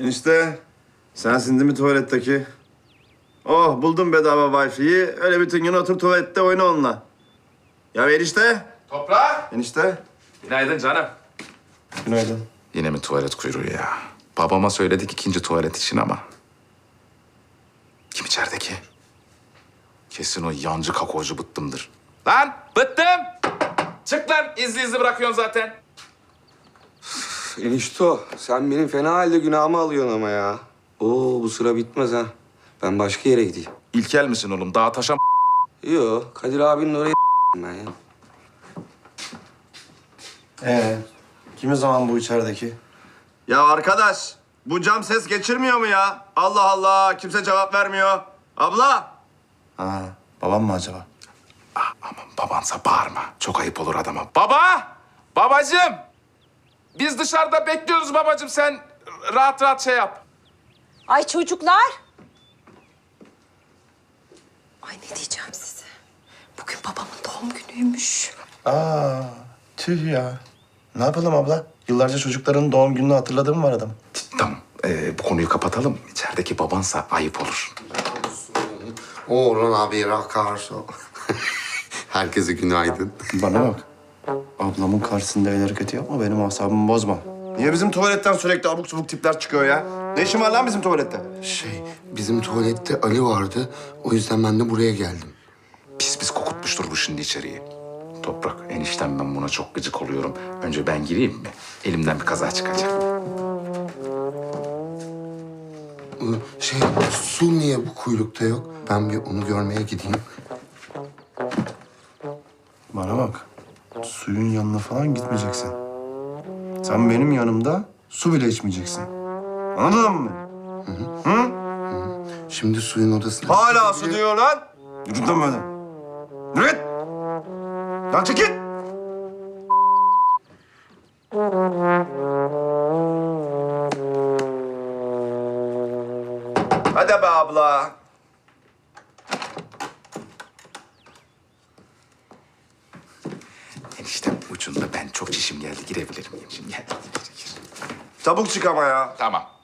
Enişte, sensin değil mi tuvaletteki? Oh, buldum bedava Wi-Fi'yi. Öyle bütün gün otur tuvalette oyna onunla. Ya enişte. Toprak! Enişte. Günaydın canım. Günaydın. Yine mi tuvalet kuyruğu ya? Babama söyledik ikinci tuvalet için ama. Kim içerideki? Kesin o yancı kakocu bıttımdır. Lan bıttım! Çık lan, izli bırakıyorsun zaten. Enişto, sen benim fena halde günahımı alıyorsun ama ya. Oo, bu sıra bitmez ha. Ben başka yere gideyim. İlkel misin oğlum? Dağa taşa Yo, Kadir abinin oraya ben ya. Kim o zaman bu içerideki? Ya arkadaş, bu cam ses geçirmiyor mu ya? Allah Allah, kimse cevap vermiyor. Abla. Ha, babam mı acaba? Aman babansa bağırma. Çok ayıp olur adama. Baba! Babacığım! Biz dışarıda bekliyoruz babacığım. Sen rahat rahat şey yap. Ay çocuklar. Ay ne diyeceğim size? Bugün babamın doğum günüymüş. Aa, tüh ya. Ne yapalım abla? Yıllarca çocukların doğum gününü hatırladığım var adam. Tamam. Bu konuyu kapatalım. İçerideki babansa ayıp olur. Oğlum abi rakarsa. Herkese günaydın. Bana bak. Ablamın karşısında el hareketi yapma, benim asabımı bozma. Niye bizim tuvaletten sürekli abuk subuk tipler çıkıyor ya? Ne işin var lan bizim tuvalette? Bizim tuvalette Ali vardı. O yüzden ben de buraya geldim. Pis kokutmuştur bu şimdi içeriği. Toprak, eniştem ben buna çok gıcık oluyorum. Önce ben gireyim mi? Elimden bir kaza çıkacak. Su niye bu kuyrukta yok? Ben bir onu görmeye gideyim. Bana bak. Suyun yanına falan gitmeyeceksin. Sen benim yanımda su bile içmeyeceksin. Anladın mı? Şimdi suyun odasına... Hala su diyor lan. Yürü lan böyle. Yürü git. Lan çekil. Hadi be abla. Eniştem ucunda ben çok çişim geldi. Girebilir miyim şimdi? Gel. Çabuk çık ama ya. Tamam.